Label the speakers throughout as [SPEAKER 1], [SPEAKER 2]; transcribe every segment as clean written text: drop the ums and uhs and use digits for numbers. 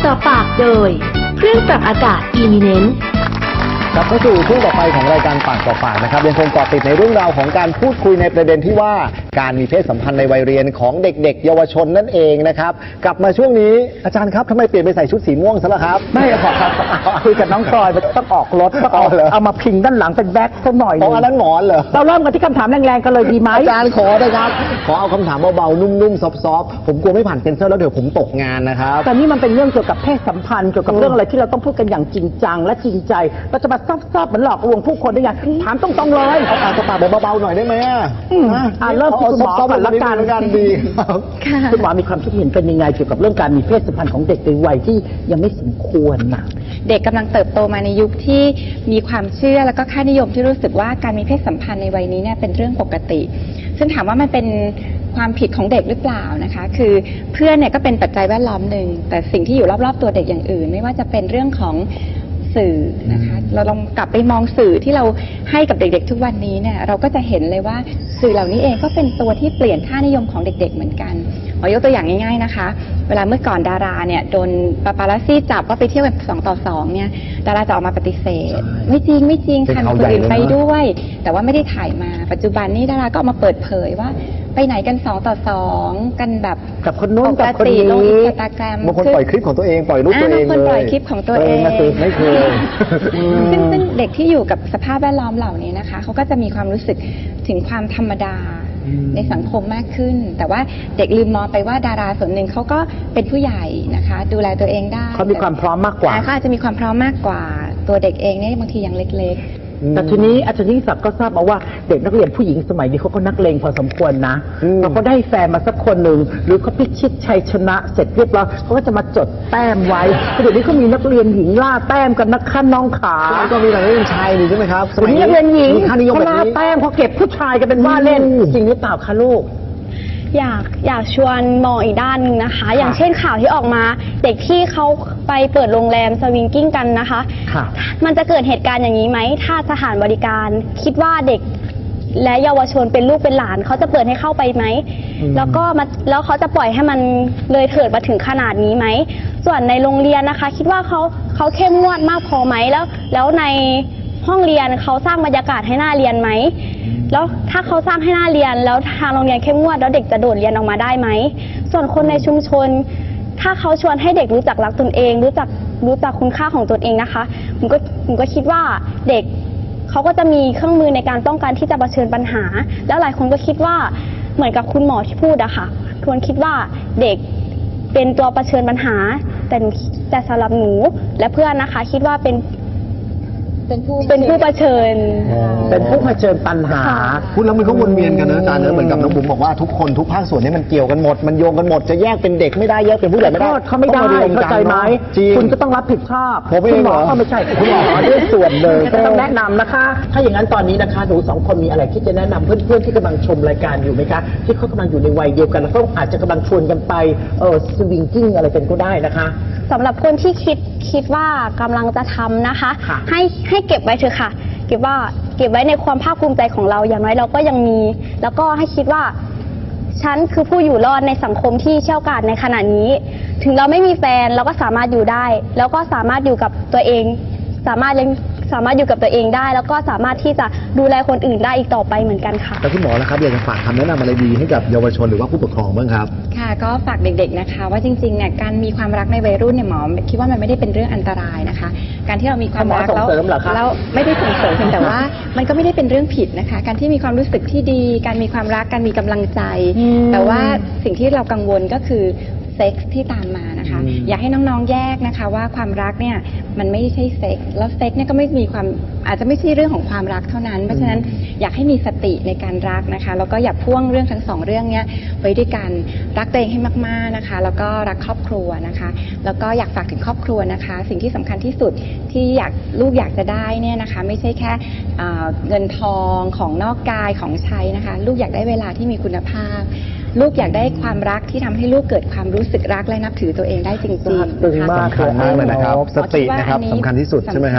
[SPEAKER 1] ต่อปากโดยเครื่องปรับอากาศ Eminent
[SPEAKER 2] กลับเข้าสู่ช่วงต่อไปของรายการปากต่อปากนะครับยังคงเกาะติดในเรื่องราวของการพูดคุยในประเด็นที่ว่าการมีเพศสัมพันธ์ในวัยเรียนของเด็กๆเยาวชนนั่นเองนะครับกลับมาช่วงนี้อาจารย์ครับทำไมเปลี่ยนไปใส่ชุดสีม่วงซะล่ะครับ
[SPEAKER 3] ไม่ครับคุยกับน้องพลอยต้องออกรถต้องเอามาพิงด้านหลังเป็นแบ็คสักหน่อย
[SPEAKER 2] อันนั้นหมอนเหรอ
[SPEAKER 3] เราเริ่มกันที่คำถามแรงๆกันเลยดีไหม
[SPEAKER 2] อาจารย์ขอนะครับขอเอาคำถามเบาๆนุ่มๆซอฟต์ๆผมกลัวไม่ผ่านเซ็นเซอร์แล้วเดี๋ยวผมตกงานนะครับ
[SPEAKER 3] แต่นี่มันเป็นเรื่องเกี่ยวกับเพศสัมพันธ์เกี่ยวกับเรื่องอะไรที่เราต้องพูดกันอย่างจริงจังและจริงใจเราจะมาซอบๆเหมือนหลอกลวงผู้คนได้ยังถามตรงๆเลย
[SPEAKER 2] เอาปากต่อปากแบบเบาๆหน่อยได้ไหม
[SPEAKER 3] เริ่มที่คุณหมอก่อนละกัน
[SPEAKER 2] ดี
[SPEAKER 3] คุณหมอมีความคิดเห็นเป็นยังไงเกี่ยวกับเรื่องการมีเพศสัมพันธ์ของเด็กในวัยที่ยังไม่สมควรนะ
[SPEAKER 4] เด็กกำลังเติบโตมาในยุคที่มีความเชื่อแล้วก็ค่านิยมที่รู้สึกว่าการมีเพศสัมพันธ์ในวัยนี้เนี่ยเป็นเรื่องปกติซึ่งถามว่ามันเป็นความผิดของเด็กหรือเปล่านะคะคือเพื่อนเนี่ยก็เป็นปัจจัยแวดล้อมหนึ่งแต่สิ่งที่อยู่รอบๆตัวเด็กอย่างอื่นไม่ว่าจะเป็นเรื่องของสื่อนะคะเราลองกลับไปมองสื่อที่เราให้กับเด็กๆทุกวันนี้เนี่ยเราก็จะเห็นเลยว่าสื่อเหล่านี้เองก็เป็นตัวที่เปลี่ยนค่านิยมของเด็กๆเหมือนกันขอยกตัวอย่างง่ายๆนะคะเวลาเมื่อก่อนดาราเนี่ยโดนปาปารัสซี่จับว่าไปเที่ยวแบบ2 ต่อ 2เนี่ยดาราจะออกมาปฏิเสธไม่จริงค่ะคนอื่นไปด้วยแต่ว่าไม่ได้ถ่ายมาปัจจุบันนี้ดาราก็ออกมาเปิดเผยว่าไปไหนกัน2 ต่อ 2กันแบบ
[SPEAKER 3] กับคนนู้นกับคนนี้
[SPEAKER 4] ลงอินสตาแกรม
[SPEAKER 2] บางคนปล่อยคลิปของตัวเองปล่อยรูปตัวเองเลย
[SPEAKER 4] บางคนปล่อยคลิปของตัวเอง
[SPEAKER 2] ไม่เคย
[SPEAKER 4] ซึ่งเด็กที่อยู่กับสภาพแวดล้อมเหล่านี้นะคะเขาก็จะมีความรู้สึกถึงความธรรมดาในสังคมมากขึ้นแต่ว่าเด็กลืมมองไปว่าดาราส่วนหนึ่งเขาก็เป็นผู้ใหญ่นะคะดูแลตัวเองได้
[SPEAKER 3] เขามีความพร้อมมากกว่า
[SPEAKER 4] เขาอาจจะมีความพร้อมมากกว่าตัวเด็กเองเนี่ยบางทียังเล็กๆ
[SPEAKER 3] แต่ทีนี้อาจารย์ยิ่งศักดิ์ก็ทราบมาว่าเด็กนักเรียนผู้หญิงสมัยนี้เขาก็นักเลงพอสมควรนะพอเขาได้แฟนมาสักคนหนึ่งหรือเขาพิชิตชัยชนะเสร็จเรียบร้อยเขาก็จะมาจดแต้มไว้เดี๋ยวนี้เขามีนักเรียนหญิงล่าแต้มกันนักขั้นน้องขา
[SPEAKER 2] ก็มีนักเรียนชายนี่ใช่ไหมครับ
[SPEAKER 3] วันนี้นักเรียนหญิงเขาล่าแต้มเขาเก็บผู้ชายกันเป็นว่าเล่นจริงหรือเปล่าคะลูก
[SPEAKER 5] อยากชวนมองอีกด้านนึงนะคะอย่างเช่นข่าวที่ออกมาเด็กที่เขาไปเปิดโรงแรมสวิงกิ้งกันนะคะมันจะเกิดเหตุการณ์อย่างนี้ไหมถ้าสถานบริการคิดว่าเด็กและเยาวชนเป็นลูกเป็นหลานเขาจะเปิดให้เข้าไปไหมแล้วเขาจะปล่อยให้มันเลยเถิดมาถึงขนาดนี้ไหมส่วนในโรงเรียนนะคะคิดว่าเขาเข้มงวดมากพอไหมแล้วในห้องเรียนเขาสร้างบรรยากาศให้น่าเรียนไหมแล้วถ้าเขาสร้างให้น่าเรียนแล้วทางโรงเรียนเข้มงวดแล้วเด็กจะโดดเรียนออกมาได้ไหมส่วนคนในชุมชนถ้าเขาชวนให้เด็กรู้จักรักตนเองรู้จักคุณค่าของตนเองนะคะผมก็คิดว่าเด็กเขาก็จะมีเครื่องมือในการป้องกันที่จะเผชิญปัญหาแล้วหลายคนก็คิดว่าเหมือนกับคุณหมอที่พูดอะค่ะควรคิดว่าเด็กเป็นตัวเผชิญปัญหาแต่สำหรับหนูและเพื่อนนะคะคิดว่าเป็นผู้เผชิญ
[SPEAKER 3] เป็นผู้เผชิญปัญหา
[SPEAKER 2] พูดแล้วมันก็วนเวียนกันนะอาจารย์เหมือนกับน้องบุ๋มบอกว่าทุกคนทุกภาคส่วนนี้มันเกี่ยวกันหมดมันโยงกันหมดจะแยกเป็นเด็กไม่ได้แยกเป็นผู้ใหญ่ไม่ได้
[SPEAKER 3] เขาไม่ได้เข้าใจไหมคุณก็ต้องรับผิดชอบ
[SPEAKER 2] คุณหมอ
[SPEAKER 3] ก็ไม่ใช่คุณหมอด้วยส่วนเลยก็ต้องแนะนำนะคะถ้าอย่างนั้นตอนนี้นะคะหนู2 คนมีอะไรที่จะแนะนำเพื่อนๆที่กำลังชมรายการอยู่ไหมคะที่เขากำลังอยู่ในวัยเดียวกันแล้วก็อาจจะกำลังชวนกันไปสวิงกิ้งอะไรกันก็ได้นะคะ
[SPEAKER 5] สำหรับคนที่คิดว่ากำลังจะทำนะคะให้เก็บไว้เถอะค่ะเก็บไว้ในความภาคภูมิใจของเราอย่างน้อยเราก็ยังมีแล้วก็ให้คิดว่าฉันคือผู้อยู่รอดในสังคมที่เชี่ยวกาจในขณะนี้ถึงเราไม่มีแฟนเราก็สามารถอยู่ได้แล้วก็สามารถอยู่กับตัวเองสามารถอยู่กับตัวเองได้แล้วก็สามารถที่จะดูแลคนอื่นได้อีกต่อไปเหมือนกันค่ะ
[SPEAKER 2] แต่คุณหมอนะครับอยากจะฝากคำแนะนำอะไรดีให้กับเยาวชนหรือว่าผู้ปกครองบ้างครับ
[SPEAKER 4] ค่ะก็ฝากเด็กๆนะคะว่าจริงๆเนี่ยการมีความรักในวัยรุ่นเนี่ยหมอคิดว่ามันไม่ได้เป็นเรื่องอันตรายนะคะการที่เรามีความรักแล้วไม่ได้ส่งเสริมแต่ว่ามันก็ไม่ได้เป็นเรื่องผิดนะคะการที่มีความรู้สึกที่ดีการมีความรักการมีกำลังใจแต่ว่าสิ่งที่เรากังวลก็คือเซ็กส์ที่ตามมานะคะอยากให้น้องๆแยกนะคะว่าความรักเนี่ยมันไม่ใช่เซ็กส์แล้วเซ็กส์เนี่ยก็ไม่มีความอาจจะไม่ใช่เรื่องของความรักเท่านั้นเพราะฉะนั้นอยากให้มีสติในการรักนะคะแล้วก็อย่าพ่วงเรื่องทั้ง2 เรื่องนี้ไว้ด้วยกันรักตัวเองให้มากๆนะคะแล้วก็รักครอบครัวนะคะแล้วก็อยากฝากถึงครอบครัวนะคะสิ่งที่สำคัญที่สุดที่ลูกอยากจะได้เนี่ยนะคะไม่ใช่แค่เงินทองของนอกกายของใช้นะคะลูกอยากได้เวลาที่มีคุณภาพลูกอยากได้ความรักที่ทำให้ลูกเกิดความรู้สึกรักและนับถือตัวเองได้จริงๆ
[SPEAKER 2] สำคัญมากเลยนะครับสตินะครับสำคัญที่สุดใช่ไหมครับ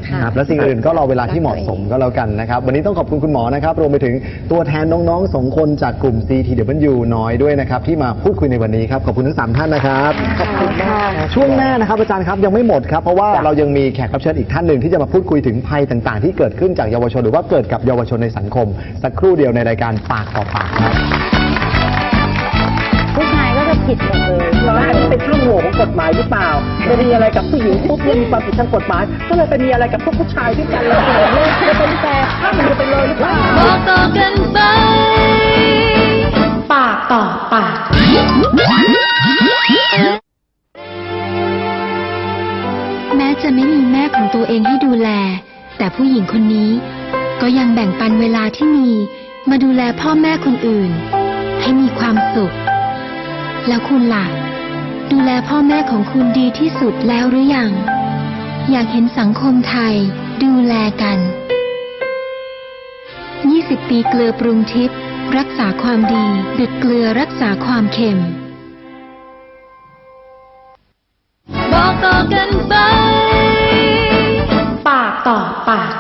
[SPEAKER 2] ครับและสิ่งอื่นก็รอเวลาที่เหมาะสมก็แล้วกันนะครับวันนี้ต้องขอบคุณคุณหมอนะครับรวมไปถึงตัวแทนน้องๆ2 คนจากกลุ่ม CTW น้อยด้วยนะครับที่มาพูดคุยในวันนี้ครับขอบคุณทั้ง3 ท่านนะครับขอบคุณค่ะช่วงหน้านะครับอาจารย์ครับยังไม่หมดครับเพราะว่าเรายังมีแขกรับเชิญอีกท่านหนึ่งที่จะมาพูดคุยถึงภัยต่างๆที่เกิดขึ้นจากเยาวชนหรือว่าเกิดกับเยาวชนในสังคมสักครู่เดียวในรายการปากต่อปากครับ
[SPEAKER 4] ผู้ชายก็จะผิดหมดเลย
[SPEAKER 3] แล้วอันนี้เป็นช่องโหว่ของกฎหมายหรือเปล่าไปมีอะไรกับผู้หญิงปุ๊บเนี่ยมีความผิดทางกฎหมายก็เลยไปมีอะไรกับพวกผู้ชายด้วยกันเลยจะเป็นแฟนข้ามจะไปเลยหรือเปล่า
[SPEAKER 1] บอกต่อกันไปปากต่อปาก
[SPEAKER 6] แม้จะไม่มีแม่ของตัวเองให้ดูแลแต่ผู้หญิงคนนี้ก็ยังแบ่งปันเวลาที่มีมาดูแลพ่อแม่คนอื่นให้มีความสุขแล้วคุณล่ะดูแลพ่อแม่ของคุณดีที่สุดแล้วหรือยังอยากเห็นสังคมไทยดูแลกัน20 ปีเกลือปรุงทิพย์รักษาความดีดุจเกลือรักษาความเค็ม
[SPEAKER 1] บอกต่อกันไปปากต่อปาก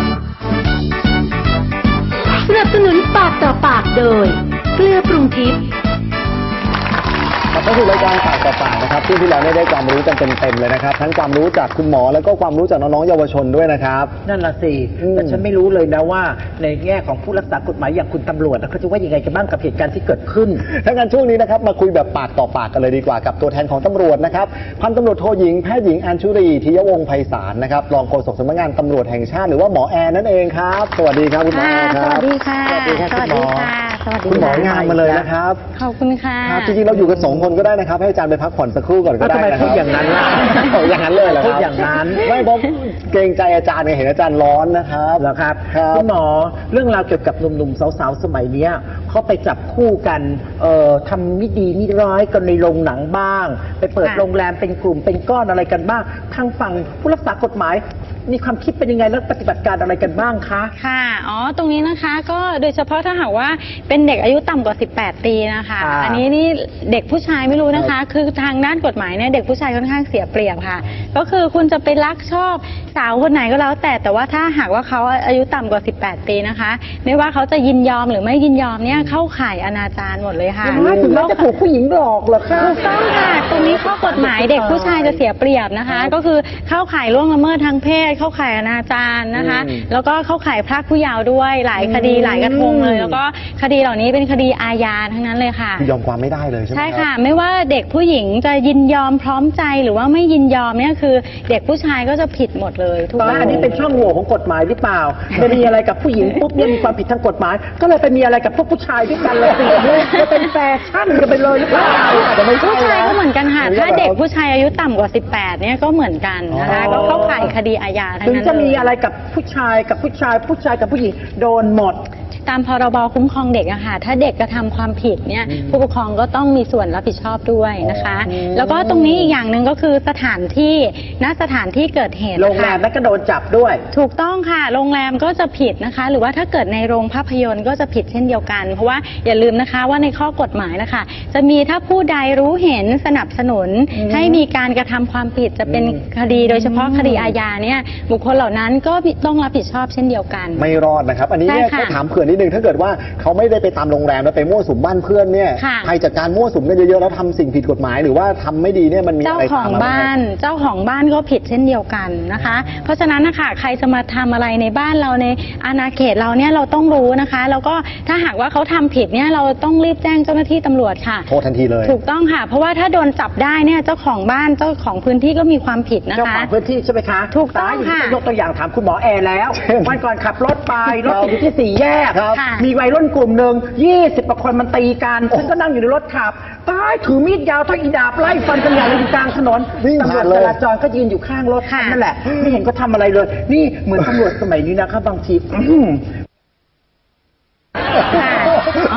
[SPEAKER 1] สนับสนุนปากต่อปากโดยเกลือปรุงทิพย์
[SPEAKER 2] ก็คือรายการปากต่อปากนะครับที่เราได้ความรู้กันเต็มๆเลยนะครับทั้งความรู้จากคุณหมอแล้วก็ความรู้จากน้องๆเยาวชนด้วยนะครับ
[SPEAKER 3] นั่นละสิแต่ฉันไม่รู้เลยนะว่าในแง่ของผู้รักษากฎหมายอย่างคุณตำรวจเขาจะว่ายังไงกันบ้างกับเหตุการณ์ที่เกิดขึ้น
[SPEAKER 2] ถ้างั้นช่วงนี้นะครับมาคุยแบบปากต่อปากกันเลยดีกว่ากับตัวแทนของตำรวจนะครับพันตำรวจโทหญิงแพทย์หญิงอัญชุรีทิยวงศ์ไพศาลนะครับรองโฆษกสำนักงานตำรวจแห่งชาติหรือว่าหมอแอนนั่นเองครับสวัสดีครับคุณหมอครับ
[SPEAKER 4] สวัสดีค่ะ
[SPEAKER 2] สวัสดีครับคุณหมอ
[SPEAKER 4] คุณ
[SPEAKER 2] หมองานมาเลยนะครับ
[SPEAKER 4] ขอบคุณค่ะ
[SPEAKER 2] จริงๆเราอยู่กัน2 คนก็ได้นะครับให้อาจารย์ไปพักผ่อนสักครู่ก่อนก็ได้นะครับ
[SPEAKER 3] ทำไมพูดอย่างนั้นล่ะ
[SPEAKER 2] อย่างนั้นเลยเหรอครับ
[SPEAKER 3] พูดอย่างนั้น
[SPEAKER 2] ไม่เพราะเกรงใจอาจารย์ไงเห็นอาจารย์ร้อนนะครับ
[SPEAKER 3] เหรอครับคุณหมอเรื่องราวเกี่ยวกับหนุ่มๆสาวๆสมัยนี้เขาไปจับคู่กันทำไม่ดีไม่ร้ายกันในโรงหนังบ้างไปเปิดโรงแรมเป็นกลุ่มเป็นก้อนอะไรกันบ้างทางฝั่งผู้รักษากฎหมายมีความคิดเป็นยังไงแล้วปฏิบัติการอะไรกันบ้างคะ
[SPEAKER 4] ค่ะตรงนี้นะคะก็โดยเฉพาะถ้าหากว่าเป็นเด็กอายุต่ำกว่า18 ปีนะคะอันนี้นี่เด็กผู้ชายไม่รู้นะคะคือทางด้านกฎหมายเนี่ยเด็กผู้ชายค่อนข้างเสียเปรียบค่ะก็คือคุณจะไปรักชอบสาวคนไหนก็แล้วแต่ว่าถ้าหากว่าเขาอายุต่ำกว่า18 ปีนะคะไม่ว่าเขาจะยินยอมหรือไม่ยินยอมเนี่ยเข้าข่ายอนาจารหมดเลยค่ะ
[SPEAKER 3] ถึงจะถูกผู้หญิงหลอกเหรอคะ
[SPEAKER 4] ถูกต้องค่ะตรงนี้ข้อกฎหมายเด็กผู้ชายจะเสียเปรียบนะคะก็คือเข้าข่ายล่วงละเมิดทางเพศเข้าข่ายอนาจารนะคะแล้วก็เข้าข่ายพรากผู้เยาว์ด้วยหลายคดีหลายกระทงเลยแล้วก็คดีเหล่านี้เป็นคดีอาญาทั้งนั้นเลยค่ะ
[SPEAKER 2] ยอมความไม่ได้เลยใช่ไหม
[SPEAKER 4] ใช่ค่ะไม่ว่าเด็กผู้หญิงจะยินยอมพร้อมใจหรือว่าไม่ยินยอมเนี่ยคือเด็กผู้ชายก็จะผิดหมดเลย
[SPEAKER 3] ทุกอย่างอันนี้เป็นช่องโหว่ของกฎหมายหรือเปล่าไปมีอะไรกับผู้หญิงปุ๊บเนี่ยมีความผิดทางกฎหมายก็เลยไปมีอะไรกับพวกผู้ชายด้วยกันเลยจะเป็นแฟชั่นกันไปเลยหรือเปล่า
[SPEAKER 4] ผู้ชายก็เหมือนกันค่ะถ้าเด็กผู้ชายอายุต่ำกว่า18เนี่ยก็เหมือนกันนะคะก็เข้าข่ายคดีอาญาทั้งนั้น
[SPEAKER 3] ถึงจะมีอะไรกับผู้ชายกับผู้ชายกับผู้หญิงโดนหมด
[SPEAKER 4] ตามพรบคุ้มครองเด็กอะค่ะถ้าเด็กกระทำความผิดเนี่ยผู้ปกครองก็ต้องมีส่วนรับผิดชอบด้วยนะคะแล้วก็ตรงนี้อีกอย่างหนึ่งก็คือสถานที่สถานที่เกิดเหตุ
[SPEAKER 3] โรงแรมแล้วก็โดนจับด้วย
[SPEAKER 4] ถูกต้องค่ะโรงแรมก็จะผิดนะคะหรือว่าถ้าเกิดในโรงภาพยนตร์ก็จะผิดเช่นเดียวกันเพราะว่าอย่าลืมนะคะว่าในข้อกฎหมายนะคะจะมีถ้าผู้ใดรู้เห็นสนับสนุนให้มีการกระทำความผิดจะเป็นคดีโดยเฉพาะคดีอาญาเนี่ยบุคคลเหล่านั้นก็ต้องรับผิดชอบเช่นเดียวกัน
[SPEAKER 2] ไม่รอดนะครับอันนี้เนี่ยก็ถามเผื่อนิดนึงถ้าเกิดว่าเขาไม่ได้ไปตามโรงแรมแล้วไปมั่วสุมบ้านเพื่อนเนี่ยใครจัดการมั่วสุมกันเยอะๆแล้วทำสิ่งผิดกฎหมายหรือว่าทำไม่ดีเนี่ยมันมีอะไรตามมาเจ้าของ
[SPEAKER 4] บ้านก็ผิดเช่นเดียวกันนะคะเพราะฉะนั้นนะคะใครจะมาทำอะไรในบ้านเราในอาณาเขตเราเนี่ยเราต้องรู้นะคะแล้วก็ถ้าหากว่าเขาทำผิดเนี่ยเราต้องรีบแจ้งเจ้าหน้าที่ตำรวจค่ะ
[SPEAKER 2] โทษทันทีเลย
[SPEAKER 4] ถูกต้องค่ะเพราะว่าถ้าโดนจับได้เนี่ยเจ้าของบ้านเจ้าของพื้นที่ก็มีความผิดนะคะ
[SPEAKER 3] เจ้าของพื้นที่ใช่ไหมคะ
[SPEAKER 4] ถูกต้องค่ะ
[SPEAKER 3] ยกตัวอย่างถามคุณหมอแอร์แล้ววันก่อนขับรถไปรถติดอยู่ที่4 แยกมีวัยรุ่นกลุ่มหนึ่ง20 กว่าคนมันตีกันฉันก็นั่งอยู่ในรถขับตายถือมีดยาวเท่าอีดาบไล่ฟันกันอย่างอยู่กลางถนนตำรวจจราจรก็ยืนอยู่ข้างรถนั่นแหละไม่เห็นก็ทำอะไรเลยนี่เหมือนตำรวจสมัยนี้นะครับบางที
[SPEAKER 4] อา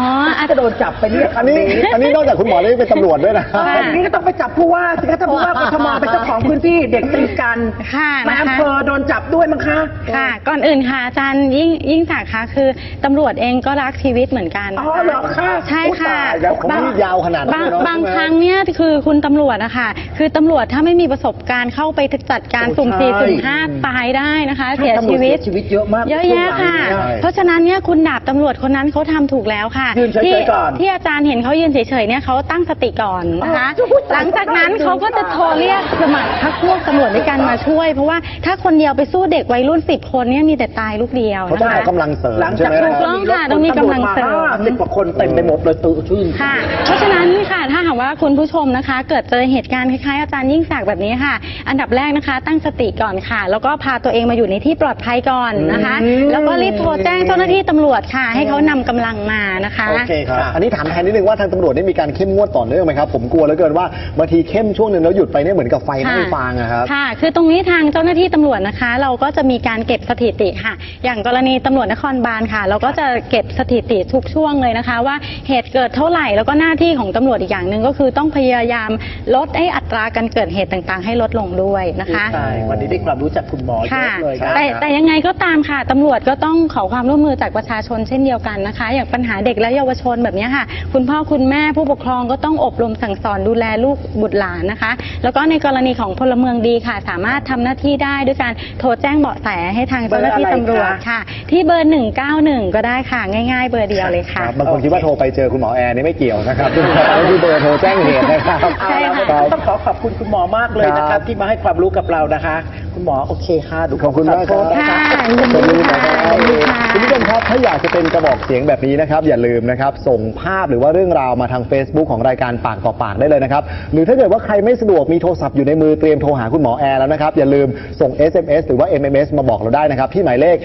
[SPEAKER 3] ก็โดนจับไปเนี่ย
[SPEAKER 2] อันนี้นอกจากคุณหมอได้เป็นตำรวจด้วยนะ
[SPEAKER 3] ทีนี้ก็ต้องไปจับผู้ว่าสิคะถ้าผู้ว่ากทมเป็นเจ้าของพื้นที่เด็กตีกัน
[SPEAKER 7] ค่ะ
[SPEAKER 3] นาย
[SPEAKER 7] นะคะ
[SPEAKER 3] อำเภอโดนจับด้วยมั้งคะ
[SPEAKER 7] ค่ะ ก่อนอื่นค่ะอาจารย์ยิ่งศักดิ์คะคือตำรวจเองก็รักชีวิตเหมือนกัน
[SPEAKER 3] อ๋อเหรอคะ
[SPEAKER 7] ใช่ค่ะ
[SPEAKER 2] อุ๊ยตายแล้วผมนี่ยาวขนาดนั้นเลยเนอะ
[SPEAKER 7] บาง
[SPEAKER 2] ใช่ไหม
[SPEAKER 7] ครั้งเนี่ยคือคุณตำรวจนะคะคือตำรวจถ้าไม่มีประสบการณ์เข้าไปจัดการ
[SPEAKER 3] โอ้
[SPEAKER 7] สุ่มสี่
[SPEAKER 3] ใช่
[SPEAKER 7] สุ่มห้าตายได้นะคะ
[SPEAKER 3] ใช่
[SPEAKER 7] เสีย
[SPEAKER 3] ตำรวจ
[SPEAKER 7] ชีวิต
[SPEAKER 3] เสียชีวิตเยอะมาก
[SPEAKER 7] เยอะแยะค่ะ
[SPEAKER 3] ช่วงหลังเนี่ย
[SPEAKER 7] เพราะฉะนั้นเนี่ยคุณดาบตำรวจคนนั้นเขาทำถูกแล้วค่ะ
[SPEAKER 3] ยืนเฉยๆ
[SPEAKER 7] ที่
[SPEAKER 3] ก่อน
[SPEAKER 7] ที่อาจารย์เห็นเขายืนเฉยๆเนี่ยเขาตั้งสติก่อนนะคะ
[SPEAKER 3] อ๋อ
[SPEAKER 7] หลังจากนั้นเขาก็จะโทรเรียกสมัครพรรคพวกตำรวจด้วยกันมาช่วย เพราะว่าถ้าคนเดียวไปสู้เด็กวัยรุ่น10 คนเนี่ยมีแต่ตายลูกเดียว
[SPEAKER 2] เขา
[SPEAKER 7] นะ
[SPEAKER 2] ต้อง
[SPEAKER 7] คะ
[SPEAKER 2] เอากำลังเสริม
[SPEAKER 3] หลัง
[SPEAKER 2] ใช่
[SPEAKER 3] จาก
[SPEAKER 2] ไหม
[SPEAKER 3] นั้น
[SPEAKER 7] ถูกต้องค่ะต้องมีกำลังเสริม
[SPEAKER 3] 50 กว่าคนเต็มไปหมดเลยตื่นชื่น
[SPEAKER 7] ค่ะ เพราะฉะนั้นค่ะถ้าหากว่าคุณผู้ชมนะคะ เกิดเจอเหตุการณ์คล้ายๆอาจารย์ยิ่งศักดิ์แบบนี้ค่ะ อันดับแรกนะคะ ตั้งสติก่อนค่ะ แล้วก็พาตัวเองมาอยู่ในที่ปลอดภัยก่อนนะคะ แล้วก็รีบโทรแจ้งเจ้าหน้าที่ตำรวจค่ะ ให้เขานำกำลังมานะคะ
[SPEAKER 2] โอเคครับ อันนี้ถามแทนนิดนึงว่าทางตำรวจได้มีการเข้มงวดต่อเนื่องไหมครับ ผมกลัวเหลือเกินว่าบางทีเข้มช่วงหนึ่งแล้วหยุดไปเนี่ยเหมือนกับไฟไหม้ฟางอะครับ
[SPEAKER 7] ค่ะ คือตรงนี้ทางเจ้าหน้าที่ตำรวจนะคะ เราก็จะมีการเก็บสถิติค่ะ อย่างกรณีตำรวจนครบาลค่ะ เราก็จะเก็บสถิติทุกช่วงเลยนะคะ ว่าเหตุเกิดเท่าไหร่แล้วก็หน้าที่ของตำรวจอีกอย่างหนึ่งก็คือต้องพยายามลดอัตราการเกิดเหตุต่างๆ ให้ลดลงด้วยนะคะ
[SPEAKER 3] ใช่วันนี้ได้ความรู้จากคุณหมอเย
[SPEAKER 7] ค่ะ
[SPEAKER 3] อะเลยนะ
[SPEAKER 7] แต่ยังไงก็ตามค่ะตำรวจก็ต้องขอความร่วมมือจากประชาชนเช่นเดียวกันนะคะ อย่างปัญหาเด็กและเยาวชนแบบนี้ค่ะ คุณพ่อคุณแม่ผู้ปกครองก็ต้องอบรมสั่งสอนดูแลลูกบุตรหลานนะคะ แล้วก็ในกรณีของพลเมืองดีค่ะ สามารถทำหน้าที่ได้ด้วยการโทรแจ้งเบาะแสให้ทางเจ้าหน้าที่ตำรวจค่ะ ที่เบอร์ 191 ก็ได้ค่ะ ง่ายๆ เบอร์เดียวเลยค่ะ
[SPEAKER 2] ครับบางคนคิดว่าโทรไปเจอคุณหมอแอร์นี่ไม่เกี่ยวนะครับคือเบอร์โทรแจ้งเหตุนะครับ
[SPEAKER 7] ใช่ค่ะ
[SPEAKER 2] รับ
[SPEAKER 3] ต้องขอบคุณคุณหมอมากเลยนะค
[SPEAKER 2] ครั
[SPEAKER 3] รับบ ที่มาให้ความรู้กับเรานะคะ คุณหมอโอเคค่ะดู
[SPEAKER 2] ขอบคุณมากครับ
[SPEAKER 7] ค่ะ
[SPEAKER 2] ขอบคุณครับ
[SPEAKER 7] ยินดีค่ะ
[SPEAKER 2] คุณผู้ชมครับถ้าอยากจะเป็นกระบอกเสียงแบบนี้นะครับอย่าลืมนะครับส่งภาพหรือว่าเรื่องราวมาทาง Facebook ของรายการปากต่อปากได้เลยนะครับหรือถ้าเกิดว่าใครไม่สะดวกมีโทรศัพท์อยู่ในมือเตรียมโทรหาคุณหมอแอร์แล้วนะครับอย่าลืมส่ง SMS หรือว่า MMS มาบอกเราได้นะครับที่หมายเลข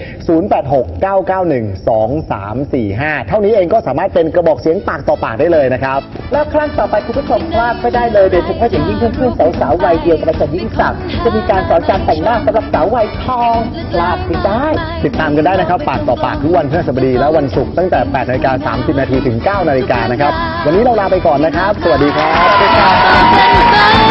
[SPEAKER 2] 0869912345 เท่านี้เองก็สามารถเป็นกระบอกเสียงปากต่อปากได้เลยนะครับ
[SPEAKER 3] แล้วครั้งต่อไปคุณผู้ชมพลาดไม่ได้เลยโดยเฉพาะอย่างยิ่งเพื่อนๆสาวๆวัยเดียวกับอาจารย์ยิ่งศักดิ์จะมีการสอนการแต่งหน้าสำหรับสาววัยทองพลาดไม่ได้
[SPEAKER 2] ติดตามกันได้นะครับปากต่อปากทุกวันพฤหัสบดีและวันศุกร์ตั้งแต่ 8:30 น. ถึง 9 นาฬิกานะครับวันนี้เราลาไปก่อนนะครับ สวัสดีครับ